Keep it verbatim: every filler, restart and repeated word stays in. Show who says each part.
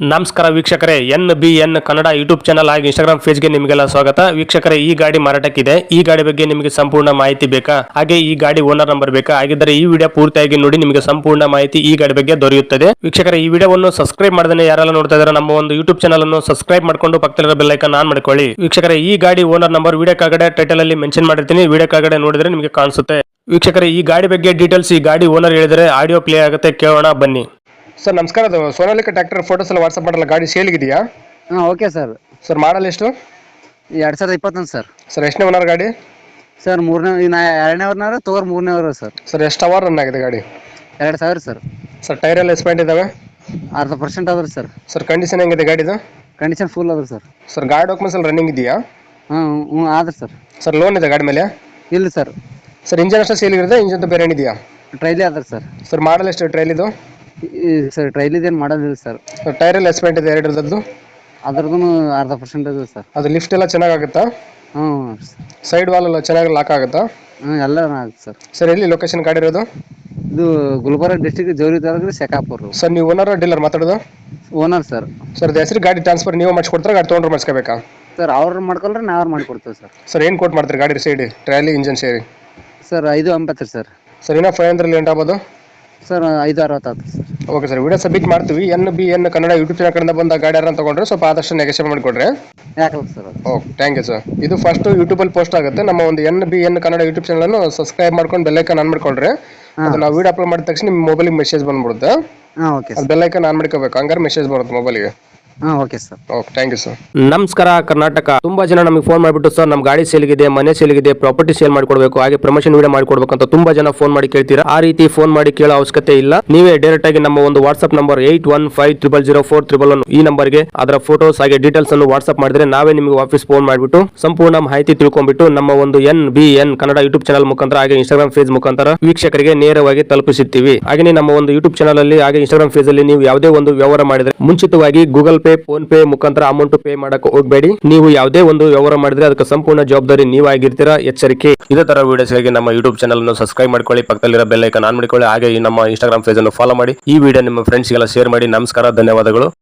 Speaker 1: ನಮಸ್ಕಾರ ವೀಕ್ಷಕರೇ, N B N Kannada YouTube channel ಹಾಗೂ ಇನ್ಸ್ಟಾಗ್ರಾಮ್ ಪೇಜ್ಗೆ ನಿಮಗೆಲ್ಲ ಸ್ವಾಗತ. ವೀಕ್ಷಕರೇ, ಈ ಗಾಡಿ ಮಾರಾಟಕ್ಕಿದೆ. ಈ ಗಾಡಿ ಬಗ್ಗೆ ನಿಮಗೆ ಸಂಪೂರ್ಣ ಮಾಹಿತಿ ಬೇಕಾ, ಹಾಗೆ ಈ ಗಾಡಿ ಓನರ್ ನಂಬರ್ ಬೇಕಾ? ಹಾಗಿದ್ದರೆ ಈ ವಿಡಿಯೋ ಪೂರ್ತಿಯಾಗಿ ನೋಡಿ, ನಿಮಗೆ ಸಂಪೂರ್ಣ ಮಾಹಿತಿ ಈ ಗಾಡಿ ಬಗ್ಗೆ ದೊರೆಯುತ್ತದೆ. ವೀಕ್ಷಕರೇ, ಈ ವಿಡಿಯೋವನ್ನು ಸಬ್ಸ್ಕ್ರೈಬ್ ಮಾಡದೇ ಯಾರೆಲ್ಲ ನೋಡ್ತಾ ಇದ್ದಾರೆ ನಮ್ಮ ಒಂದು ಯೂಟ್ಯೂಬ್ ಚಾನಲ್ ಅನ್ನು ಸಬ್ಸ್ಕ್ರೈಬ್ ಮಾಡ್ಕೊಂಡು ಪಕ್ಕದಲ್ಲಿರೋ ಬೆಲ್ ಐಕಾನ್ ಆನ್ ಮಾಡ್ಕೊಳ್ಳಿ. ವೀಕ್ಷಕರೇ, ಈ ಗಾಡಿ ಓನರ್ ನಂಬರ್ ವಿಡಿಯೋ ಕೆಳಗಡೆ ಟೈಟಲ್ ಅಲ್ಲಿ ಮೆನ್ಷನ್ ಮಾಡಿರ್ತೀನಿ, ವಿಡಿಯೋ ಕೆಳಗಡೆ ನೋಡಿದ್ರೆ ನಿಮಗೆ ಕಾಣಿಸುತ್ತೆ. ವೀಕ್ಷಕರೇ, ಈ ಗಾಡಿ ಬಗ್ಗೆ ಡೀಟೇಲ್ಸ್ ಈ ಗಾಡಿ ಓನರ್ ಹೇಳಿದರೆ ಆಡಿಯೋ ಪ್ಲೇ ಆಗುತ್ತೆ, ಕೇಳೋಣ ಬನ್ನಿ.
Speaker 2: ಸರ್ ನಮಸ್ಕಾರ, ಅದು ಸೋನಾಲಿಕ ಟ್ರ್ಯಾಕ್ಟರ್ ಫೋಟೋಸ್ ಎಲ್ಲ ವಾಟ್ಸಪ್ ಮಾಡಲ್ಲ, ಗಾಡಿ ಸೇಲ್ಗಿದೆಯಾ?
Speaker 3: ಹಾಂ ಓಕೆ ಸರ್.
Speaker 2: ಸರ್ ಮಾಡಲ್ ಎಷ್ಟು?
Speaker 3: ಎರಡು ಸಾವಿರದ ಇಪ್ಪತ್ತೊಂದು ಸರ್.
Speaker 2: ಸರ್ ಎಷ್ಟನೇ ಓನರ್ ಗಾಡಿ?
Speaker 3: ಸರ್ ಮೂರನೇ ಇನ್ನು ಎರಡನೇ ಅವ್ರನಾರ ತಗೋರ್ ಮೂರನೇ ಅವರು ಸರ್.
Speaker 2: ಸರ್ ಎಷ್ಟು ಅವರ್ ರನ್ ಆಗಿದೆ ಗಾಡಿ?
Speaker 3: ಎರಡು ಸಾವಿರ ಸರ್.
Speaker 2: ಸರ್ ಟೈರ್ ಎಲ್ಲ ಎಸ್ಪೆಂಟ್ ಇದಾವೆ?
Speaker 3: ಅರ್ಧ ಪರ್ಸೆಂಟ್ ಅದ್ರಿ ಸರ್.
Speaker 2: ಸರ್ ಕಂಡೀಷನ್ ಹೆಂಗಿದೆ ಗಾಡಿದು?
Speaker 3: ಕಂಡೀಷನ್ ಫುಲ್ ಅದ್ರಿ ಸರ್.
Speaker 2: ಸರ್ ಗಾಡಿ ಡಾಕ್ಯುಮೆಂಟ್ಸ್ ಎಲ್ಲ ರನ್ನಿಂಗ್ ಇದೆಯಾ?
Speaker 3: ಹಾಂ ಹ್ಞೂ ಆದ್ರಿ ಸರ್.
Speaker 2: ಸರ್ ಲೋನ್ ಇದೆ ಗಾಡಿ ಮೇಲೆ?
Speaker 3: ಇಲ್ಲ ಸರ್.
Speaker 2: ಸರ್ ಇಂಜನ್ ಅಷ್ಟೇ ಸೇಲ್ ಇರುತ್ತೆ, ಇಂಜನ್ ಬೇರೆ ಏನಿದೆಯಾ?
Speaker 3: ಟ್ರೈಲಿ ಅದ್ರಿ ಸರ್.
Speaker 2: ಸರ್ ಮಾಡಲ್ ಎಷ್ಟು ಟ್ರೈಲ್ ಇದು?
Speaker 3: ಸರ್ ಟ್ರೈಲಿದೇನು ಮಾಡೋದಿಲ್ಲ ಸರ್.
Speaker 2: ಸರ್ ಟೈರ್ ಎಲ್ಲ ಎಸ್ಪೆಂಟ್ ಇದೆ ಎರಡರದ್ದು?
Speaker 3: ಅದ್ರದ್ದು ಅರ್ಧ ಪರ್ಸೆಂಟ್ ಅದ ಸರ್.
Speaker 2: ಅದು ಲಿಫ್ಟ್ ಎಲ್ಲ ಚೆನ್ನಾಗಾಗುತ್ತಾ?
Speaker 3: ಹ್ಞೂ
Speaker 2: ಸೈಡ್ ವಾಲ್ ಎಲ್ಲ ಚೆನ್ನಾಗಿ ಲಾಕ್ ಆಗುತ್ತಾ?
Speaker 3: ಹ್ಞೂ ಎಲ್ಲ ಆಗುತ್ತೆ ಸರ್.
Speaker 2: ಸರ್ ಎಲ್ಲಿ ಲೊಕೇಶನ್ ಗಾಡಿ ಇರೋದು?
Speaker 3: ಇದು ಗುಲ್ಬರ್ಗ ಡಿಸ್ಟಿಕ್ ಜೋರಿ ತಾಲೂಕು ಶೆಕಾಪುರ.
Speaker 2: ಸರ್ ನೀವು ಓನರ್ ಡೀಲರ್ ಮಾತಾಡೋದು?
Speaker 3: Owner sir.
Speaker 2: ಸರ್ ಅದು ಹೆಸರು ಗಾಡಿ ಟ್ರಾನ್ಸ್ಫರ್ ನೀವು ಮಾಡಿಸ್ಕೊಡ್ತಾರೆ, ಗಾಡಿ ತೊಗೊಂಡ್ರೆ ಮಾಡಿಸ್ಕೋಬೇಕಾ?
Speaker 3: ಸರ್ ಅವ್ರು ಮಾಡ್ಕೊಳ್ರೆ ನಾವು ಮಾಡ್ಕೊಡ್ತೇವೆ ಸರ್.
Speaker 2: ಸರ್ ಏನು ಕೋಟ್ ಮಾಡ್ತೀರಿ ಗಾಡಿ ಸೈಡ್ ಟ್ರಾಲಿ ಇಂಜನ್ ಸೇರಿ?
Speaker 3: ಸರ್ ಐದು ಎಂಬತ್ತು ರೀ ಸರ್.
Speaker 2: ಸರ್ ಇನ್ನೂ ಫೈವ್ ಹಂಡ್ರೆಡ್ ಲೇಟ್ ಆಗ್ಬೋದು?
Speaker 3: ಸರ್ ಐದು ಅರವತ್ತಾಯ್ತು sir.
Speaker 2: Okay sir, video submit ಮಾಡ್ತೀವಿ. N B N Kannada YouTube channel ಕಡೆಯಿಂದ ಬಂದ ಗಾಡಿ ಯಾರನ್ನ ತಗೊಂಡ್ರೆ ಸ್ವಲ್ಪ ಆದಷ್ಟು ನೆಗೆಷನ್ ಮಾಡಿಕೊಡ್ರಿ.
Speaker 3: ಯಾಕಲ್ಲ sir.
Speaker 2: Okay, thank you sir. ಇದು ಫಸ್ಟ್ ಯೂಟ್ಯೂಬಲ್ಲಿ ಪೋಸ್ಟ್ ಆಗುತ್ತೆ. ನಮ್ಮ ಒಂದು N B N Kannada YouTube ಚಾನಲನ್ನು ಸಬ್ಸ್ಕ್ರೈಬ್ ಮಾಡ್ಕೊಂಡು ಬೆಲ್ಲೈಕನ್ ಆನ್ ಮಾಡ್ಕೊಳ್ರಿ. ಅದು ನಾವು ವಿಡಿಯೋ ಅಪ್ಲೋಡ್ ಮಾಡಿದ ತಕ್ಷಣ ನಿಮ್ಮ ಮೊಬೈಲಿಗೆ ಮೆಸೇಜ್ ಬಂದ್ಬಿಡುತ್ತೆ.
Speaker 3: ಹಾಂ ಓಕೆ
Speaker 2: ಅದು ಬೆಲ್ಲೈಕನ್ ಆನ್ ಮಾಡ್ಕೋಬೇಕು, ಹಂಗಾರೆ ಮೆಸೇಜ್ ಬರುತ್ತೆ ಮೊಬೈಲಿಗೆ.
Speaker 3: ಹಾಂ okay sir.
Speaker 2: Okay, thank you sir.
Speaker 1: ನಮಸ್ಕಾರ ಕರ್ನಾಟಕ. ತುಂಬಾ ಜನ ನಮಗೆ ಫೋನ್ ಮಾಡಿಬಿಟ್ಟು ಸರ್ ನಮ್ಮ ಗಾಡಿ ಸೇಲ್ಗಿದೆ, ಮನೆ ಸೇಲ್ಗಿದೆ, ಪ್ರಾಪರ್ಟಿ ಸೇಲ್ ಮಾಡ್ಕೊಡ್ಬೇಕು, ಹಾಗೆ ಪ್ರಮೋಷನ್ ವಿಡಿಯೋ ಮಾಡ್ಕೊಡ್ಬೇಕು ಅಂತ ತುಂಬಾ ಜನ ಫೋನ್ ಮಾಡಿ ಕೇಳ್ತೀರಾ. ಆ ರೀತಿ ಫೋನ್ ಮಾಡಿ ಕೇಳೋ ಅವಶ್ಯಕತೆ ಇಲ್ಲ. ನೀವೇ ಡೈರೆಕ್ಟ್ ಆಗಿ ನಮ್ಮ ಒಂದು WhatsApp number eight one five triple zero four triple one ಈ ನಂಬರ್ಗೆ ಅದರ ಫೋಟೋಸ್ ಹಾಗೆ ಡೀಟೇಲ್ಸ್ ಅನ್ನು ವಾಟ್ಸ್ಆಪ್ ಮಾಡಿದ್ರೆ ನಾವೇ ನಿಮಗೆ ವಾಪಸ್ ಫೋನ್ ಮಾಡಿಬಿಟ್ಟು ಸಂಪೂರ್ಣ ಮಾಹಿತಿ ತಿಳ್ಕೊಂಡ್ಬಿಟ್ಟು ನಮ್ಮ ಒಂದು N B N Kannada YouTube channel ಮುಖಾಂತರ ಹಾಗೆ ಇನ್ಸ್ಟಾಗ್ರಾಮ್ ಪೇಜ್ ಮುಖಾಂತರ ವೀಕ್ಷಕರಿಗೆ ನೇರವಾಗಿ ತಲುಪಿಸುತ್ತೀವಿ. ಹಾಗೆ ನಮ್ಮ ಒಂದು ಯೂಟ್ಯೂಬ್ ಚಾನಲ್ ಅಲ್ಲಿ ಹಾಗೆ ಇನ್ಸ್ಟಾಗ್ರಾಮ್ ಪೇಜ್ ಅಲ್ಲಿ ನೀವು ಯಾವುದೇ ಒಂದು ವ್ಯವಹಾರ ಮಾಡಿದ್ರೆ ಮುಂಚಿತವಾಗಿ ಗೂಗಲ್ ಪೇ, ಫೋನ್ ಪೇ ಮುಖಾಂತರ ಅಮೌಂಟ್ ಪೇ ಮಾಡಕ್ಕೆ ಹೋಗಬೇಡಿ. ನೀವು ಯಾವುದೇ ಒಂದು ವ್ಯವಹಾರ ಮಾಡಿದ್ರೆ ಅದಕ್ಕೆ ಸಂಪೂರ್ಣ ಜವಾಬ್ದಾರಿ ನೀವಾಗಿರ್ತೀರಾ, ಎಚ್ಚರಿಕೆ. ಇದೇ ತರ ವಿಡಿಯೋಸ್ಗಾಗಿ ನಮ್ಮ ಯೂಟ್ಯೂಬ್ ಚಾನಲ್ ಅನ್ನು ಸಬ್ಸ್ಕ್ರೈಬ್ ಮಾಡ್ಕೊಳ್ಳಿ, ಪಕ್ಕದಲ್ಲಿರೋ ಬೆಲ್ ಐಕಾನ್ ಆನ್ ಮಾಡ್ಕೊಳ್ಳಿ, ಹಾಗೆ ನಮ್ಮ ಇನ್ಸ್ಟಾಗ್ರಾಮ್ ಪೇಜ್ ಅನ್ನು ಫಾಲೋ ಮಾಡಿ. ಈ ವಿಡಿಯೋ ನಿಮ್ಮ ಫ್ರೆಂಡ್ಸ್ಗೆಲ್ಲ ಶೇರ್ ಮಾಡಿ. ನಮಸ್ಕಾರ, ಧನ್ಯವಾದಗಳು.